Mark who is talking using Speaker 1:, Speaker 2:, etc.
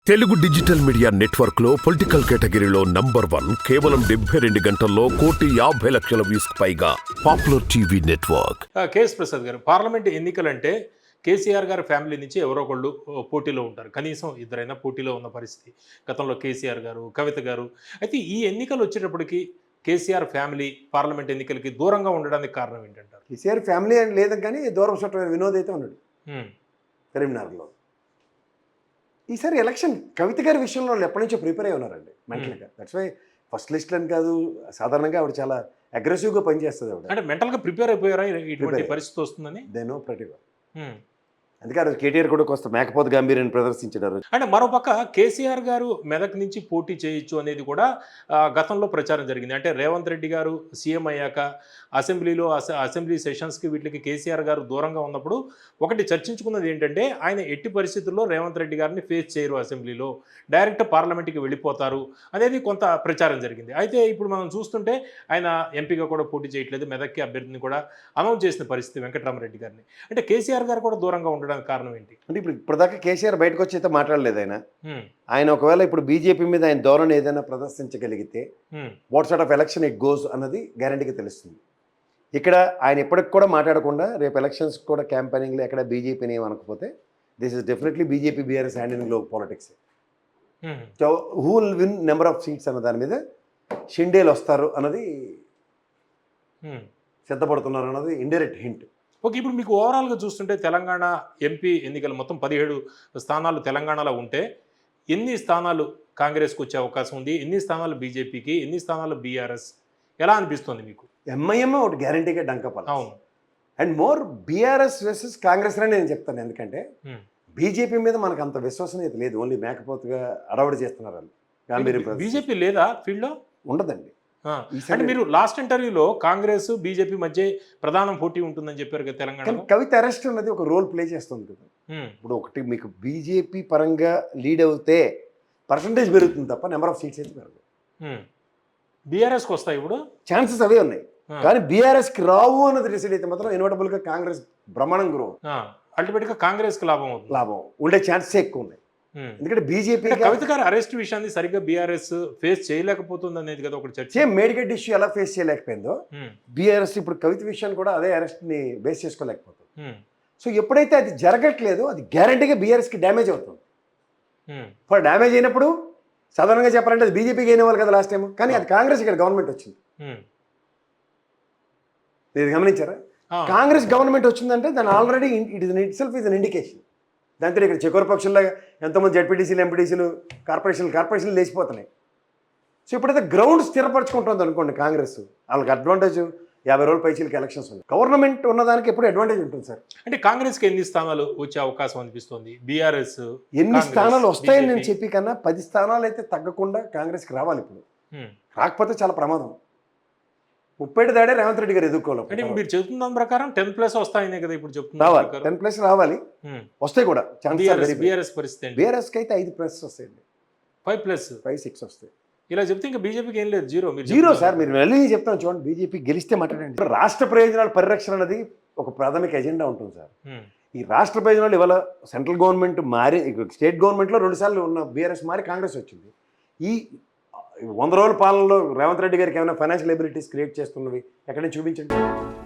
Speaker 1: Telugu digital media network లో political కేటగిరీలో #1 కేవలం 72 గంటల్లో 1,50,00,000 వ్యూస్ పైగా popular TV network.
Speaker 2: KS Prasad గారు, పార్లమెంట్ ఎన్నికలంటే కేసీఆర్ గారి ఫ్యామిలీ నుంచి ఎవరో ఒకళ్ళు పోటీలో ఉంటారు. కనీసం ఇద్దరైనా పోటీలో ఉన్న పరిస్థితి. గతంలో కేసీఆర్ గారు, కవిత గారు. అయితే ఈ ఎన్నికలు వచ్చేటప్పటికి కేసీఆర్ ఫ్యామిలీ పార్లమెంట్ ఎన్నికలకి దూరంగా ఉండడానికి కారణం ఏంటంటారు?
Speaker 3: కేసీఆర్ ఫ్యామిలీ అని లేదు కానీ దూరం చుట్టమైన వినోద్ అయితే ఉన్నాడు కరీంనగర్లో. ఈసారి ఎలక్షన్ కవిత గారి విషయంలో వాళ్ళు ఎప్పటి నుంచో ప్రిపేర్ అయి ఉన్నారండి మెంటల్గా. దట్స్ వై ఫస్ట్ లిస్ట్ అని కాదు, సాధారణంగా ఆవిడ చాలా అగ్రెసివ్గా పనిచేస్తుంది ఆవిడ.
Speaker 2: అంటే మెంటల్గా ప్రిపేర్ అయిపోయారా ఇటువంటి పరిస్థితి వస్తుందని?
Speaker 3: దే నో ప్రతి వన్. అందుకే ఆ రోజు కేటీఆర్ కూడా కొంత మేకపోత గాంభీర్యాన్ని ప్రదర్శించారు.
Speaker 2: అంటే మరోపక్క కేసీఆర్ గారు మెదక్ నుంచి పోటీ చేయొచ్చు అనేది కూడా గతంలో ప్రచారం జరిగింది. అంటే రేవంత్ రెడ్డి గారు సీఎం అయ్యాక అసెంబ్లీలో అసెంబ్లీ సెషన్స్కి వీటికి కేసీఆర్ గారు దూరంగా ఉన్నప్పుడు ఒకటి చర్చించుకున్నది ఏంటంటే, ఆయన ఎట్టి పరిస్థితుల్లో రేవంత్ రెడ్డి గారిని ఫేస్ చేయరు, అసెంబ్లీలో డైరెక్ట్ పార్లమెంట్కి వెళ్ళిపోతారు అనేది కొంత ప్రచారం జరిగింది. అయితే ఇప్పుడు మనం చూస్తుంటే ఆయన ఎంపీగా కూడా పోటీ చేయట్లేదు, మెదక్కి అభ్యర్థిని కూడా అనౌన్స్ చేసిన పరిస్థితి వెంకటరామరెడ్డి గారిని. అంటే కేసీఆర్ గారు కూడా దూరంగా ఉండడం కారణం ఏంటి?
Speaker 3: అంటే ఇప్పుడు దాకా కేసీఆర్ బయటకు వచ్చి అయితే మాట్లాడలేదు. ఆయన ఒకవేళ ఇప్పుడు బీజేపీ మీద ఆయన ధోరణి ఏదైనా ప్రదర్శించగలిగితే what sort of election it goes అన్నది గ్యారంటీగా తెలుస్తుంది. ఇక్కడ ఆయన ఎప్పటికి కూడా మాట్లాడకుండా రేపు ఎలక్షన్స్ కూడా క్యాంపెయినింగ్లో ఎక్కడ బీజేపీని ఏమనకపోతే this is definitely BJP BRS hand in global politics. So who will win number of seats అన్న దాని మీద షిండేలు వస్తారు అన్నది సిద్ధపడుతున్నారు అన్నది ఇండైరెక్ట్ హింట్.
Speaker 2: ఓకే, ఇప్పుడు మీకు ఓవరాల్గా చూస్తుంటే తెలంగాణ ఎంపీ ఎన్నికలు మొత్తం 17 స్థానాలు తెలంగాణలో ఉంటే ఎన్ని స్థానాలు కాంగ్రెస్కి వచ్చే అవకాశం ఉంది, ఎన్ని స్థానాలు బీజేపీకి, ఎన్ని స్థానాలు బీఆర్ఎస్, ఎలా అనిపిస్తుంది మీకు?
Speaker 3: ఎంఐఎం ఒకటి గ్యారంటీగా డంకపాలి.
Speaker 2: అవును.
Speaker 3: And more BRS versus Congress అని నేను చెప్తాను. ఎందుకంటే బీజేపీ మీద మనకు అంత విశ్వసనీయత లేదు. ఓన్లీ మేకపోతుగా అడవడి చేస్తున్నారు వాళ్ళు. గాంభీర్యం
Speaker 2: బీజేపీ లేదా ఫీల్డ్లో
Speaker 3: ఉండదండి.
Speaker 2: అంటే మీరు లాస్ట్ ఇంటర్వ్యూలో కాంగ్రెస్ బీజేపీ మధ్య ప్రధాన పోటీ ఉంటుందని చెప్పారు కదా తెలంగాణ.
Speaker 3: కవిత అరెస్ట్ అన్నది ఒక రోల్ ప్లే చేస్తుంది కదా. ఇప్పుడు ఒకటి మీకు బీజేపీ పరంగా లీడ్ అవుతే పర్సంటేజ్ పెరుగుతుంది తప్ప నెంబర్ ఆఫ్ సీట్స్ అయితే పెరగదు.
Speaker 2: బీఆర్ఎస్కి వస్తాయి ఇప్పుడు
Speaker 3: ఛాన్సెస్ అవే ఉన్నాయి. కానీ బీఆర్ఎస్కి రావు అన్నది డిసైడ్ అయితే మాత్రం ఇన్వర్టబుల్గా కాంగ్రెస్ బ్రహ్మాండం గ్రో,
Speaker 2: అల్టిమేట్గా కాంగ్రెస్కి లాభం
Speaker 3: ఉండే ఛాన్సెస్ ఎక్కువ ఉన్నాయి. ఎందుకంటే బీజేపీ
Speaker 2: కవిత గారు అరెస్ట్ విషయాన్ని సరిగ్గా బీఆర్ఎస్ ఫేస్ చేయలేకపోతుంది అనేది కదా ఒకటి చర్చ.
Speaker 3: సేమ్ మేడిగడ్డ ఇష్యూ ఎలా ఫేస్ చేయలేకపోయిందో బీఆర్ఎస్ ఇప్పుడు కవిత విషయాన్ని కూడా అదే అరెస్ట్ని బేస్ చేసుకోలేకపోతుంది. సో ఎప్పుడైతే అది జరగట్లేదో అది గ్యారంటీగా బీఆర్ఎస్కి డ్యామేజ్ అవుతుంది. ఫర్ డ్యామేజ్ అయినప్పుడు సాధారణంగా చెప్పాలంటే అది బీజేపీకి అయిన వాళ్ళు కదా లాస్ట్ టైం, కానీ అది కాంగ్రెస్ ఇక్కడ గవర్నమెంట్ వచ్చింది. మీరు గమనించారా? కాంగ్రెస్ గవర్నమెంట్ వచ్చిందంటే దాని already it is it is an indication. దాంతో ఇక్కడ చెకోర పక్షుల్లో ఎంతోమంది జడ్పీటీసీలు, ఎంపీటీసీలు, కార్పొరేషన్లు లేచిపోతున్నాయి. సో ఇప్పుడైతే గ్రౌండ్ స్థిరపరచుకుంటుంది అనుకోండి కాంగ్రెస్, వాళ్ళకి అడ్వాంటేజ్ 50 రోజుల పైచీలకి ఎలక్షన్స్ ఉన్నాయి. గవర్నమెంట్ ఉన్నదానికి ఎప్పుడు అడ్వాంటేజ్ ఉంటుంది సార్.
Speaker 2: అంటే కాంగ్రెస్కి ఎన్ని స్థానాలు వచ్చే అవకాశం అనిపిస్తుంది? బీఆర్ఎస్
Speaker 3: ఎన్ని స్థానాలు వస్తాయని నేను చెప్పి కన్నా 10 స్థానాలు అయితే తగ్గకుండా కాంగ్రెస్కి రావాలి. ఇప్పుడు రాకపోతే చాలా ప్రమాదం. 30 దాడే రేవంత్ రెడ్డి గారు ఎదుర్కోవాలి.
Speaker 2: అంటే మీరు చెప్తున్న ప్రకారం 10+ వస్తాయనే కదా ఇప్పుడు చెప్తున్నారు.
Speaker 3: రావాలి, 10+ రావాలి, వస్తాయి కూడా.
Speaker 2: బీఆర్ఎస్ పరిస్థితి
Speaker 3: బీఆర్ఎస్కి అయితే 5+ వస్తాయండి,
Speaker 2: 5+,
Speaker 3: 5-6 వస్తాయి.
Speaker 2: ఇలా చెప్తే ఇంకా బీజేపీకి ఏం లేదు,
Speaker 3: జీరో సార్. మీరు వెళ్ళి చెప్తాను చూడండి, బీజేపీ గెలిస్తే మాట్లాడండి. రాష్ట్ర ప్రయోజనాల పరిరక్షణ అనేది ఒక ప్రాథమిక ఎజెండా ఉంటుంది సార్. ఈ రాష్ట్ర ప్రయోజనాలు ఇవాళ సెంట్రల్ గవర్నమెంట్ మారి, స్టేట్ గవర్నమెంట్లో 2 సార్లు ఉన్న బీఆర్ఎస్ మారి కాంగ్రెస్ వచ్చింది. ఈ 100 రోజుల పాలనలో రేవంత్ రెడ్డి గారికి ఏమైనా ఫైనాన్షియల్ ఎబిలిటీస్ క్రియేట్ చేస్తున్నవి ఎక్కడైనా చూపించండి.